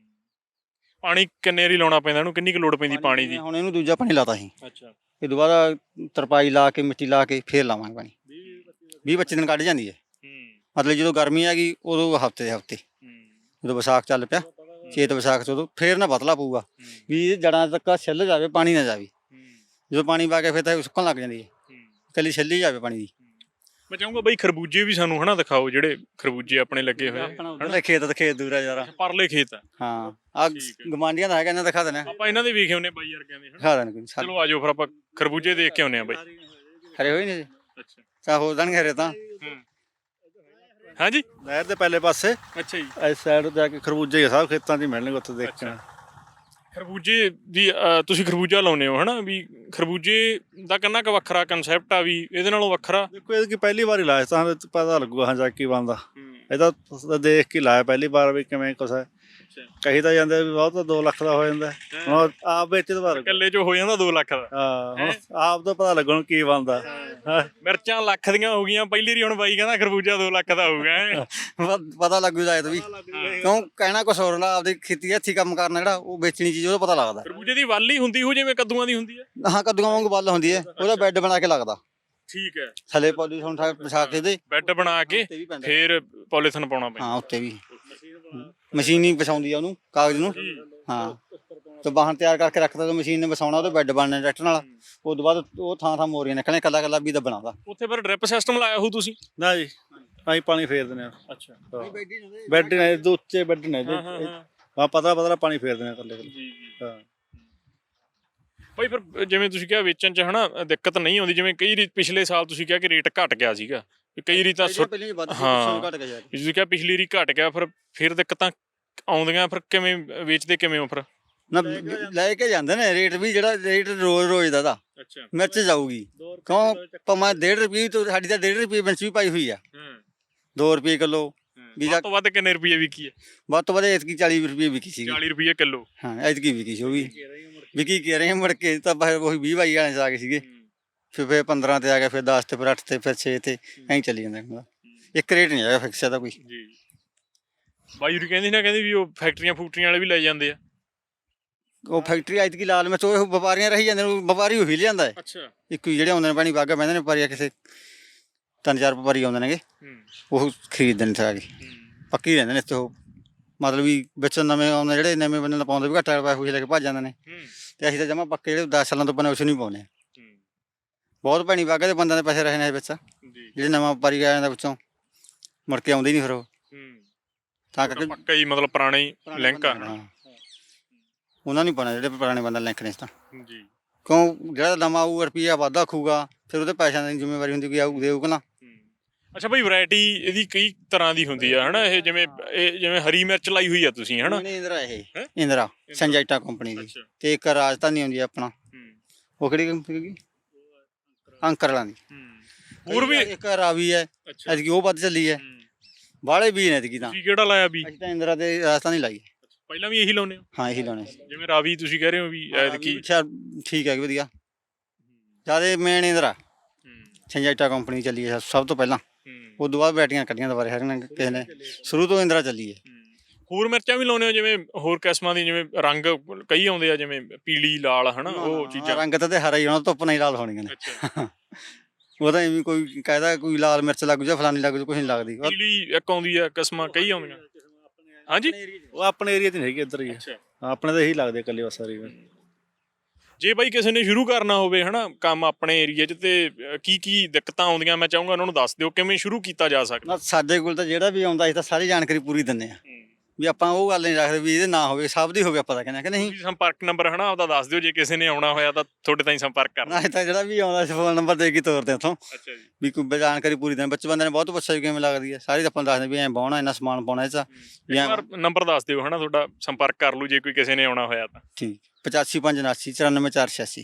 Speaker 1: ਪਾਣੀ ਕਿੰਨੇ ਵਾਰੀ ਲਾਉਣਾ ਪੈਂਦਾ ਇਹਨੂੰ, ਕਿੰਨੀ ਕੁ ਲੋੜ ਪੈਂਦੀ ਪਾਣੀ ਦੀ?
Speaker 2: ਹੁਣ ਇਹਨੂੰ ਦੂਜਾ ਪਾਣੀ ਲਾਤਾ ਸੀ,
Speaker 1: ਅੱਛਾ
Speaker 2: ਇਹ ਦੁਬਾਰਾ ਤਰਪਾਈ ਲਾ ਕੇ ਮਿੱਟੀ ਲਾ ਕੇ ਫੇਰ ਲਾਵਾਂਗੇ ਪਾਣੀ। ਵੀਹ ਪੱਚੀ ਦਿਨ ਕੱਢ ਜਾਂਦੀ ਹੈ, ਮਤਲਬ ਜਦੋਂ ਗਰਮੀ ਆ ਗਈ ਉਦੋਂ ਹਫਤੇ ਦੇ ਹਫਤੇ, ਜਦੋਂ ਵਿਸਾਖ ਚੱਲ ਪਿਆ ਚੇਤ ਵਿਸਾਖ ਤੋਂ ਉਦੋਂ ਫੇਰ ਨਾ ਬਦਲਾ ਪਊਗਾ ਵੀ ਇਹ ਜੜਾਂ ਤੱਕ ਛਿੱਲ ਜਾਵੇ, ਪਾਣੀ ਨਾ ਜਾਵੇ। ਜਦੋਂ ਪਾਣੀ ਪਾ ਕੇ ਫਿਰ ਤਾਂ ਸੁੱਕਣ ਲੱਗ ਜਾਂਦੀ ਹੈ, ਇਕੱਲੀ ਛਿੱਲੀ ਜਾਵੇ ਪਾਣੀ ਦੀ।
Speaker 1: ਮੈਂ ਚਾਹੂੰਗਾ ਬਈ ਖਰਬੂਜੇ ਵੀ ਸਾਨੂੰ ਹਨਾ ਦਿਖਾਓ, ਜਿਹੜੇ ਖਰਬੂਜੇ ਆਪਣੇ ਲੱਗੇ ਹੋਏ
Speaker 2: ਆਪਣਾ ਉਧਰਲੇ ਖੇਤ ਤੇ ਖੇਤ ਦੂਰ ਆ ਯਾਰਾ,
Speaker 1: ਪਰਲੇ ਖੇਤ ਆ।
Speaker 2: ਹਾਂ ਆ ਗਵਾਂਡੀਆਂ ਦਾ ਹੈਗਾ, ਇਹਨਾਂ ਦਿਖਾ ਦੇਣਾ,
Speaker 1: ਆਪਾਂ ਇਹਨਾਂ ਦੇ ਵੇਖੇ ਹੁੰਨੇ ਬਾਈ ਵਰਗਿਆਂ ਦੇ,
Speaker 2: ਦਿਖਾ ਦੇਣਾ ਕੋਈ।
Speaker 1: ਚਲੋ ਆਜੋ ਫਿਰ ਆਪਾਂ ਖਰਬੂਜੇ ਦੇਖ ਕੇ ਆਉਂਦੇ ਆ ਬਾਈ।
Speaker 2: ਹਰੇ ਹੋਏ ਨੇ
Speaker 1: ਅੱਛਾ
Speaker 2: ਤਾਂ ਹੋ ਜਾਣਗੇ ਹਰੇ ਤਾਂ।
Speaker 1: ਹਾਂਜੀ
Speaker 3: ਨਹਿਰ ਦੇ ਪਹਿਲੇ ਪਾਸੇ
Speaker 1: ਅੱਛਾ ਜੀ,
Speaker 3: ਇਸ ਸਾਈਡ ਜਾ ਕੇ ਖਰਬੂਜੇ ਹੀ ਸਭ ਖੇਤਾਂ 'ਚ ਹੀ ਮਿਲਣਗੇ, ਉੱਥੇ ਦੇਖਣਾ।
Speaker 1: ਖਰਬੂਜੇ ਦੀ ਅਹ, ਤੁਸੀਂ ਖਰਬੂਜਾ ਲਾਉਂਦੇ ਹੋ ਹਨਾ, ਵੀ ਖਰਬੂਜੇ ਦਾ ਕਿੰਨਾ ਕੁ ਵੱਖਰਾ ਕਨਸੈਪਟ ਆ, ਵੀ ਇਹਦੇ ਨਾਲੋਂ ਵੱਖਰਾ?
Speaker 3: ਦੇਖੋ ਇਹ ਕੀ ਪਹਿਲੀ ਵਾਰ ਹੀ ਲਾਇਆ ਤਾਂ ਪਤਾ ਲੱਗੂਗਾ ਹਾਂ ਜਾ ਕੀ ਬਣਦਾ। ਇਹਦਾ ਦੇਖ ਕੇ ਲਾਇਆ ਪਹਿਲੀ ਵਾਰ ਵੀ ਕਿਵੇਂ ਕੁਛ ਹੈ। ਕਹੀ ਤਾਂ ਜਾਂਦੇ ਵੀ ਬਹੁਤ ਦੋ ਲੱਖ ਦਾ ਹੋ ਜਾਂਦਾ, ਹੁਣ ਆਪ ਵਿੱਚ ਤਾਂ ਪਤਾ
Speaker 1: ਇਕੱਲੇ 'ਚ ਹੋ ਜਾਂਦਾ ਦੋ ਲੱਖ ਦਾ।
Speaker 3: ਹਾਂ ਹੁਣ ਆਪ ਤਾਂ ਪਤਾ ਲੱਗਣ ਕੀ ਬਣਦਾ।
Speaker 1: ਮਿਰਚਾਂ ਲੱਖ ਦੀਆਂ ਹੋ ਗਈਆਂ ਪਹਿਲੀ ਵਾਰੀ, ਹੁਣ ਬਾਈ ਕਹਿੰਦਾ ਖਰਬੂਜਾ ਦੋ ਲੱਖ ਦਾ ਹੋਊਗਾ।
Speaker 2: ਪਤਾ ਲੱਗੂ ਜਾਇਦ ਵੀ, ਕਿਉਂ ਕਹਿਣਾ ਕੁਛ ਹੋਰ ਨਾ, ਆਪਦੀ ਖੇਤੀ ਹੱਥੀ ਕੰਮ ਕਰਨਾ ਜਿਹੜਾ ਉਹ ਵੇਚਣੀ ਚੀਜ਼ ਉਹਦਾ ਪਤਾ ਲੱਗਦਾ।
Speaker 1: ਖਰਬੂਜੇ ਦੀ ਵੱਲ ਹੀ ਹੁੰਦੀ ਹੋ ਜਿਵੇਂ ਕੱਦੂਆਂ ਦੀ ਹੁੰਦੀ ਹੈ?
Speaker 2: ਹਾਂ ਕੱਦੂਆਂ ਵਾਂਗੂ ਵੱਲ ਹੁੰਦੀ ਹੈ, ਉਹਦਾ ਬੈੱਡ ਬਣਾ ਕੇ ਲੱਗਦਾ।
Speaker 1: ਠੀਕ ਹੈ,
Speaker 2: ਥੱਲੇ ਪੋਲੀਥੀਨ ਠਾ ਵਿਛਾ ਕੇ ਦੇ
Speaker 1: ਬੈੱਡ ਬਣਾ ਕੇ ਫੇਰ ਪੋਲੀਥੀਨ ਪਾਉਣਾ ਪੈਂਦਾ।
Speaker 2: ਹਾਂ ਉੱਤੇ ਵੀ ਮਸ਼ੀਨ ਹੀ ਵਿਛਾਉਂਦੀ ਆ ਉਹਨੂੰ, ਕਾਗਜ਼ ਨੂੰ। ਹਾਂ ਤੇ ਵਾਹਣ ਤਿਆਰ ਕਰਕੇ ਰੱਖਦਾ, ਤੇ ਮਸ਼ੀਨ ਨੇ ਵਿਛਾਉਣਾ, ਉਹਦੇ ਬੈੱਡ ਬਣਨੇ ਟਰੈਕਟਰ ਨਾਲ। ਉਸ ਤੋਂ ਬਾਅਦ ਉਹ ਥਾਂ ਥਾਂ ਮੋਰੀਆਂ ਨਿਕਲਣੇ, ਕੱਲਾ ਕੱਲਾ ਵੀ ਦੱਬਣਾ ਦਾ।
Speaker 1: ਉੱਥੇ ਫਿਰ ਡ੍ਰਿਪ ਸਿਸਟਮ ਲਾਇਆ ਹੋ ਤੁਸੀਂ?
Speaker 3: ਨਾ ਜੀ ਅਸੀਂ ਪਾਣੀ ਫੇਰ ਦਿੰਦੇ ਆ।
Speaker 1: ਅੱਛਾ
Speaker 3: ਬੈੱਡ ਨੇ ਇਹਦੇ ਉੱਚੇ ਬੈੱਡ ਨੇ ਇਹਦੇ, ਹਾਂ ਪਤਲਾ ਪਤਲਾ ਪਾਣੀ ਫੇਰ ਦਿੰਦੇ ਆ ਇਕੱਲੇ
Speaker 1: ਜੀ ਜੀ।
Speaker 3: ਹਾਂ
Speaker 1: ਭਾਈ ਫਿਰ ਜਿਵੇਂ ਤੁਸੀਂ ਕਿਹਾ ਵੇਚਣ 'ਚ ਹਨਾ ਦਿੱਕਤ ਨਹੀਂ ਆਉਂਦੀ, ਜਿਵੇਂ ਕਈ ਰੀ ਪਿਛਲੇ ਸਾਲ ਤੁਸੀਂ ਕਿਹਾ ਕਿ ਰੇਟ ਘਟ ਗਿਆ ਸੀਗਾ, ਕਈ ਰੀ ਤਾਂ ਸੁੱਟ- ਹਾਂ ਤੁਸੀਂ ਕਿਹਾ ਪਿਛਲੀ ਰੀ ਘਟ ਗਿਆ, ਫਿਰ ਫਿਰ ਦਿੱਕਤਾਂ ਆਉਂਦੀਆਂ, ਫਿਰ ਕਿਵੇਂ ਵੇਚਦੇ ਕਿਵੇਂ ਹੋ ਫਿਰ?
Speaker 2: ਨਾ ਲੈ ਕੇ ਜਾਂਦੇ ਨੇ ਰੇਟ ਵੀ, ਜਿਹੜਾ ਰੇਟ ਰੋਜ਼ ਰੋਜ਼ ਦਾ ਦਾ
Speaker 1: ਅੱਛਾ
Speaker 2: ਮਿਰਚ ਜਾਊਗੀ, ਕਿਉਂ ਭਾਵੇਂ ਡੇਢ ਰੁਪਏ ਤੋਂ, ਸਾਡੀ ਤਾਂ ਡੇਢ ਰੁਪਏ ਮਿਰਚ ਵੀ ਪਾਈ ਹੋਈ ਆ, ਦੋ ਰੁਪਏ ਕਿਲੋ ਵੀ।
Speaker 1: ਵੱਧ ਤੋਂ ਵੱਧ ਕਿੰਨੇ ਰੁਪਏ ਵਿਕੀ ਹੈ?
Speaker 2: ਵੱਧ ਤੋਂ ਵੱਧ ਐਤਕੀ ਚਾਲੀ ਰੁਪਏ ਵਿਕੀ ਸੀ।
Speaker 1: ਚਾਲੀ ਰੁਪਏ ਕਿਲੋ?
Speaker 2: ਹਾਂ ਐਤਕੀ ਵਿਕੀ ਸੀ ਉਹ ਵੀ, ਵਿਕੀ ਕਹਿ ਰਹੇ ਮੁੜ ਕੇ ਤਾਂ ਬਸ ਉਹੀ ਵੀਹ ਬਾਈ ਵਾਲੇ 'ਚ ਆ ਗਏ ਸੀਗੇ, ਫਿਰ ਫਿਰ ਪੰਦਰਾਂ ਤੇ ਆ ਗਿਆ, ਫਿਰ ਦਸ ਤੇ, ਫਿਰ ਅੱਠ ਤੇ, ਫਿਰ ਛੇ ਤੇ, ਐਂ ਚੱਲੀ ਜਾਂਦਾ। ਇੱਕ ਰੇਟ ਨਹੀਂ ਹੈਗਾ ਫਿਕਸ ਦਾ ਕੋਈ।
Speaker 1: ਜੀ ਬਾਈ ਹੋਰੀ ਕਹਿੰਦੀ ਨਾ, ਕਹਿੰਦੀ ਵੀ ਉਹ ਫੈਕਟਰੀਆਂ ਫੂਕਟਰੀਆਂ ਵਾਲੇ ਵੀ ਲੈ ਜਾਂਦੇ ਆ।
Speaker 2: ਉਹ ਫੈਕਟਰੀ ਐਤਕੀ ਲਾਲ ਮਿਰਚ ਉਹ ਵਪਾਰੀਆਂ ਰਹੀ ਜਾਂਦੇ ਨੇ, ਵਪਾਰੀ ਉਹੀ ਲਿਆਂਦਾ ਹੈ।
Speaker 1: ਅੱਛਾ
Speaker 2: ਇੱਕ ਜਿਹੜੇ ਆਉਂਦੇ ਨੇ ਪਾਣੀ ਬਾਗਾ ਬਹਿੰਦੇ ਨੇ ਵਪਾਰੀ, ਕਿਸੇ ਤਿੰਨ ਚਾਰ ਵਪਾਰੀ ਆਉਂਦੇ ਨੇਗੇ, ਉਹ ਖਰੀਦਦੇ ਨੇ ਸਾਰੇ, ਪੱਕੀ ਰਹਿੰਦੇ ਨੇ ਇੱਥੇ। ਉਹ ਮਤਲਬ ਵੀ ਵਿੱਚ ਨਵੇਂ ਆਉਂਦੇ ਜਿਹੜੇ ਨਵੇਂ ਬੰਦੇ ਦਾ ਪਾਉਂਦੇ ਵੀ ਘੱਟ ਰੁਪਏ ਖੁਸ਼ ਲੈ ਕੇ ਭੱਜ ਜਾਂਦੇ ਨੇ, ਤੇ ਅਸੀਂ ਤਾਂ ਜਮਾ ਪੱਕੇ ਜਿਹੜੇ ਦਸ ਸਾਲਾਂ ਤੋਂ ਬਣੇ ਉਸ ਨੂੰ ਹੀ ਪਾਉਂਦੇ। ਬਹੁਤ ਭੈਣੀ ਬਾਗਾ ਦੇ ਬੰਦਿਆਂ ਦੇ ਪੈਸੇ ਰਹੇ ਨੇ ਵਿੱਚ, ਜਿਹੜੇ ਨਵਾਂ ਵਪਾਰੀ ਆ ਜਾਂਦਾ ਵਿੱਚੋਂ ਮੁੜ ਕੇ ਆਉਂਦੇ ਨਹੀਂ ਫਿਰ ਉਹ, ਤਾਂ ਕਰਕੇ
Speaker 1: ਪੱਕਾ ਹੀ ਮਤਲਬ ਪੁਰਾਣਾ ਹੀ ਲਿੰਕ ਆ।
Speaker 2: ਉਹਨਾਂ ਨੂੰ ਪਾਉਣਾ ਜਿਹੜੇ ਪੁਰਾਣੇ ਬੰਦੇ ਲਿੰਕ ਨੇ। ਤਾਂ
Speaker 1: ਜੀ
Speaker 2: ਕਿਉਂ ਜਿਹੜਾ ਨਵਾਂ ਆਊ ਰੁਪਈਆ ਵਾਧਾ ਖੂਗਾ, ਫਿਰ ਉਹਦੇ ਪੈਸਿਆਂ ਦੀ ਜ਼ਿੰਮੇਵਾਰੀ ਹੁੰਦੀ ਕਿ ਆਊ ਦੇਊਗਾ ਨਾ।
Speaker 1: ਅੱਛਾ ਭਾਈ ਵੈਰਾਈਟੀ ਇਹਦੀ ਕਈ ਤਰ੍ਹਾਂ ਦੀ ਹੁੰਦੀ ਆ ਹਨਾ, ਇਹ ਜਿਵੇਂ ਇਹ ਜਿਵੇਂ ਹਰੀ ਮਿਰਚ ਲਾਈ ਹੋਈ ਆ ਤੁਸੀਂ ਹਨਾ?
Speaker 2: ਇੰਦਰਾ, ਇਹ ਇੰਦਰਾ ਸੰਜਾਈਟਾ ਕੰਪਨੀ ਦੀ, ਤੇ ਇੱਕ ਰਾਜਧਾਨੀ ਹੁੰਦੀ ਆ ਆਪਣਾ, ਉਹ ਕਿਹੜੀ ਕੰਪਨੀ ਦੀ? ਅੰਕਰ ਵਾਲਾਂ ਦੀ।
Speaker 1: ਹੋਰ ਵੀ
Speaker 2: ਇੱਕ ਰਾਵੀ ਹੈ, ਐਤਕੀ ਉਹ ਵੱਧ ਚੱਲੀ ਹੈ। ਬਾਹਲੇ ਵੀ ਨੇ ਐਤਕੀ ਤਾਂ।
Speaker 1: ਤੁਸੀਂ ਕਿਹੜਾ ਲਾਇਆ ਵੀ?
Speaker 2: ਅਸੀਂ ਤਾਂ ਇੰਦਰਾ ਤੇ ਰਾਜਧਾਨੀ ਲਾਈ।
Speaker 1: ਪਹਿਲਾਂ ਵੀ ਇਹੀ ਲਾਉਂਦੇ ਹੋ?
Speaker 2: ਹਾਂ ਇਹੀ ਲਾਉਣੇ।
Speaker 1: ਜਿਵੇਂ ਰਾਵੀ ਤੁਸੀਂ ਕਹਿ ਰਹੇ ਹੋ ਵੀ ਐਤਕੀ
Speaker 2: ਅੱਛਾ ਠੀਕ ਹੈ ਵਧੀਆ, ਜਿਆਦਾ ਮੇਨ ਇੰਦਰਾ ਸੰਜਾਈਟਾ ਕੰਪਨੀ ਚੱਲੀ ਹੈ ਸਭ ਤੋਂ ਪਹਿਲਾਂ, ਉਸ ਤੋਂ ਬਾਅਦ ਬੈਟੀਆਂ ਕੱਢੀਆਂ ਦੁਬਾਰੇ ਹਰ ਨੇ ਕਿਸੇ ਨੇ, ਸ਼ੁਰੂ ਤੋਂ ਇੰਦਰਾ ਚੱਲੀ ਹੈ।
Speaker 1: ਹੋਰ ਮਿਰਚਾਂ ਵੀ ਲਾਉਂਦੇ ਹੋ ਜਿਵੇਂ ਹੋਰ ਕਿਸਮਾਂ ਦੀ, ਜਿਵੇਂ ਰੰਗ ਕਈ ਆਉਂਦੇ ਆ ਜਿਵੇਂ ਪੀਲੀ ਲਾਲ ਹਨਾ, ਉਹ ਚੀਜ਼ਾਂ?
Speaker 2: ਰੰਗ ਤਾਂ ਤੇ ਹਰਾ ਹੀ ਹੋਣਾ, ਧੁੱਪ ਨਹੀਂ ਲਾਲ ਹੋਣੀਆਂ ਨੇ। ਉਹ ਤਾਂ ਐਵੇਂ ਕੋਈ ਕਹਿੰਦਾ ਕੋਈ ਲਾਲ ਮਿਰਚ ਲੱਗ ਜਾ ਫਲਾਨੀ ਲੱਗ ਜਾ, ਕੁਛ ਨਹੀਂ ਲੱਗਦੀ।
Speaker 1: ਪੀਲੀ ਇੱਕ ਆਉਂਦੀ ਆ, ਕਿਸਮਾਂ ਕਈ ਆਉਂਦੀਆਂ। ਹਾਂਜੀ
Speaker 3: ਉਹ ਆਪਣੇ ਏਰੀਆ 'ਚ ਨਹੀਂ ਹੈਗੀ, ਇੱਧਰ ਹੀ ਆਪਣੇ ਤਾਂ ਇਹੀ ਲੱਗਦੇ ਇਕੱਲੇ ਬਸ ਸਾਰੀ।
Speaker 1: ਜੇ ਬਾਈ ਕਿਸੇ ਨੇ ਸ਼ੁਰੂ ਕਰਨਾ ਹੋਵੇ ਹਨਾ ਕੰਮ ਆਪਣੇ ਏਰੀਆ 'ਚ, ਤੇ ਕੀ ਕੀ ਦਿੱਕਤਾਂ ਆਉਂਦੀਆਂ ਮੈਂ ਚਾਹੂੰਗਾ ਉਹਨਾਂ ਨੂੰ ਦੱਸ ਦਿਓ, ਕਿਵੇਂ ਸ਼ੁਰੂ ਕੀਤਾ ਜਾ ਸਕਦਾ?
Speaker 2: ਸਾਡੇ ਕੋਲ ਤਾਂ ਜਿਹੜਾ ਵੀ ਆਉਂਦਾ ਅਸੀਂ ਤਾਂ ਸਾਰੀ ਜਾਣਕਾਰੀ ਪੂਰੀ ਦਿੰਦੇ ਆ, ਵੀ ਆਪਾਂ ਉਹ ਗੱਲ ਨਹੀਂ ਰੱਖਦੇ ਵੀ ਇਹਦੇ ਨਾ ਹੋਵੇ, ਸਭ ਦੀ ਹੋਵੇ ਆਪਾਂ ਤਾਂ ਕਹਿੰਦੇ ਕਿ ਨਹੀਂ।
Speaker 1: ਤੁਸੀਂ ਸੰਪਰਕ ਨੰਬਰ ਹਨਾ ਆਪਦਾ ਦੱਸ ਦਿਓ, ਜੇ ਕਿਸੇ ਨੇ ਆਉਣਾ ਹੋਇਆ ਤਾਂ ਤੁਹਾਡੇ ਤਾਈਂ ਸੰਪਰਕ ਕਰਨਾ।
Speaker 2: ਨਾ ਤਾਂ ਜਿਹੜਾ ਵੀ ਆਉਂਦਾ ਸੀ ਫੋਨ ਨੰਬਰ ਦੇ ਕੇ ਤੋਰਦੇ ਉੱਥੋਂ
Speaker 1: ਅੱਛਾ ਜੀ।
Speaker 2: ਵੀ ਕੋਈ ਜਾਣਕਾਰੀ ਪੂਰੀ ਦੇਣ। ਬੱਚੇ ਬੰਦੇ ਨੇ ਬਹੁਤ ਪੁੱਛਿਆ ਵੀ ਕਿਵੇਂ ਲੱਗਦੀ ਹੈ, ਸਾਰੇ ਆਪਾਂ ਨੂੰ ਦੱਸਦੇ ਵੀ ਐਂ ਪਾਉਣਾ, ਇੰਨਾ ਸਮਾਨ ਪਾਉਣਾ ਇਹ 'ਚ ਵੀ
Speaker 1: ਇੱਕ
Speaker 2: ਐਂ।
Speaker 1: ਵਾਰ ਨੰਬਰ ਦੱਸ ਦਿਓ ਹਨਾ ਤੁਹਾਡਾ, ਸੰਪਰਕ ਕਰ ਲੂ ਜੇ ਕੋਈ ਕਿਸੇ ਨੇ ਆਉਣਾ ਹੋਇਆ ਤਾਂ।
Speaker 2: ਠੀਕ, ਪਚਾਸੀ ਪੰਜ ਉਨਾਸੀ ਚੁਰਾਨਵੇਂ ਚਾਰ ਛਿਆਸੀ,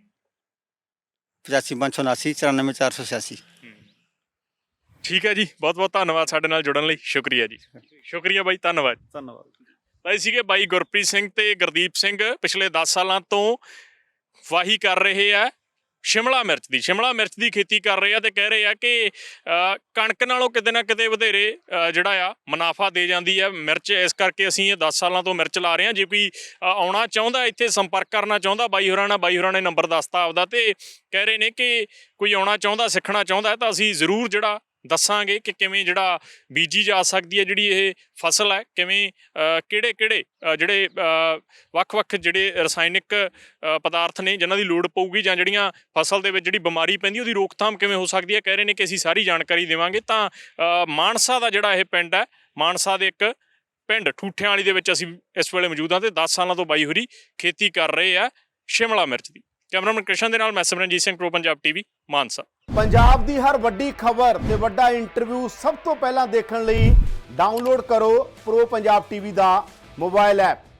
Speaker 2: ਪਚਾਸੀ ਪੰਜ ਸੌ ਉਨਾਸੀ ਚੁਰਾਨਵੇਂ ਚਾਰ ਸੌ ਛਿਆਸੀ।
Speaker 1: ਠੀਕ ਹੈ ਜੀ, ਬਹੁਤ ਬਹੁਤ ਧੰਨਵਾਦ ਸਾਡੇ ਨਾਲ ਜੁੜਨ ਲਈ, ਸ਼ੁਕਰੀਆ ਜੀ। ਸ਼ੁਕਰੀਆ ਬਾਈ, ਧੰਨਵਾਦ।
Speaker 3: ਧੰਨਵਾਦ।
Speaker 1: ਤਾਂ ਇਹ ਸੀਗੇ ਬਾਈ ਗੁਰਪ੍ਰੀਤ ਸਿੰਘ ਤੇ ਗੁਰਦੀਪ ਸਿੰਘ, ਪਿਛਲੇ ਦਸ ਸਾਲਾਂ ਤੋਂ ਵਾਹੀ ਕਰ ਰਹੇ ਆ ਸ਼ਿਮਲਾ ਮਿਰਚ ਦੀ ਸ਼ਿਮਲਾ ਮਿਰਚ ਦੀ ਖੇਤੀ ਕਰ ਰਹੇ ਆ ਤੇ ਕਹਿ ਰਹੇ ਆ ਕਿ ਅ, ਕਣਕ ਨਾਲੋਂ ਕਿਤੇ ਨਾ ਕਿਤੇ ਵਧੇਰੇ ਅ, ਜਿਹੜਾ ਆ ਮੁਨਾਫਾ ਦੇ ਜਾਂਦੀ ਹੈ ਮਿਰਚ। ਇਸ ਕਰਕੇ ਅਸੀਂ ਇਹ ਦਸ ਸਾਲਾਂ ਤੋਂ ਮਿਰਚ ਲਾ ਰਹੇ ਹਾਂ। ਜੇ ਕੋਈ ਅ, ਆਉਣਾ ਚਾਹੁੰਦਾ, ਇੱਥੇ ਸੰਪਰਕ ਕਰਨਾ ਚਾਹੁੰਦਾ ਬਾਈ ਹੋਰਾਂ ਨਾਲ, ਬਾਈ ਹੋਰਾਂ ਨੇ ਨੰਬਰ ਦੱਸਤਾ ਆਪਦਾ ਤੇ ਕਹਿ ਰਹੇ ਨੇ ਕਿ ਕੋਈ ਆਉਣਾ ਚਾਹੁੰਦਾ, ਸਿੱਖਣਾ ਚਾਹੁੰਦਾ ਤਾਂ ਅਸੀਂ ਜ਼ਰੂਰ ਜਿਹੜਾ ਦੱਸਾਂਗੇ ਕਿ ਕਿਵੇਂ ਜਿਹੜਾ ਬੀਜੀ ਜਾ ਸਕਦੀ ਹੈ ਜਿਹੜੀ ਇਹ ਫਸਲ ਹੈ, ਕਿਵੇਂ ਕਿਹੜੇ ਕਿਹੜੇ ਜਿਹੜੇ ਅ, ਵੱਖ-ਵੱਖ ਜਿਹੜੇ ਰਸਾਇਣਿਕ ਅ, ਪਦਾਰਥ ਨੇ ਜਿਨ੍ਹਾਂ ਦੀ ਲੋੜ ਪਊਗੀ, ਜਾਂ ਜਿਹੜੀਆਂ ਫਸਲ ਦੇ ਵਿੱਚ ਜਿਹੜੀ ਬਿਮਾਰੀ ਪੈਂਦੀ ਉਹਦੀ ਰੋਕਥਾਮ ਕਿਵੇਂ ਹੋ ਸਕਦੀ ਹੈ। ਕਹਿ ਰਹੇ ਨੇ ਕਿ ਅਸੀਂ ਸਾਰੀ ਜਾਣਕਾਰੀ ਦੇਵਾਂਗੇ। ਤਾਂ ਅ, ਮਾਨਸਾ ਦਾ ਜਿਹੜਾ ਇਹ ਪਿੰਡ ਹੈ, ਮਾਨਸਾ ਦੇ ਇੱਕ ਪਿੰਡ ਠੂਠਿਆਂ ਵਾਲੀ ਦੇ ਵਿੱਚ ਅਸੀਂ ਇਸ ਵੇਲੇ ਮੌਜੂਦ ਹਾਂ ਤੇ ਦਸ ਸਾਲਾਂ ਤੋਂ ਬਾਈ ਹੋਰੀ ਖੇਤੀ ਕਰ ਰਹੇ ਆ ਸ਼ਿਮਲਾ ਮਿਰਚ ਦੀ। ਕੈਮਰਾਮੈਨ ਕ੍ਰਿਸ਼ਨ ਦੇ ਨਾਲ ਮੈਂ ਸਿਮਰਨਜੀਤ ਸਿੰਘ, ਪ੍ਰੋ ਪੰਜਾਬ ਟੀਵੀ, ਮਾਨਸਾ।
Speaker 4: ਪੰਜਾਬ ਦੀ ਹਰ ਵੱਡੀ ਖਬਰ ਤੇ ਵੱਡਾ ਇੰਟਰਵਿਊ ਸਭ ਤੋਂ ਪਹਿਲਾਂ ਦੇਖਣ ਲਈ ਡਾਊਨਲੋਡ ਕਰੋ ਪ੍ਰੋ ਪੰਜਾਬ ਟੀਵੀ ਦਾ ਮੋਬਾਈਲ ਐਪ।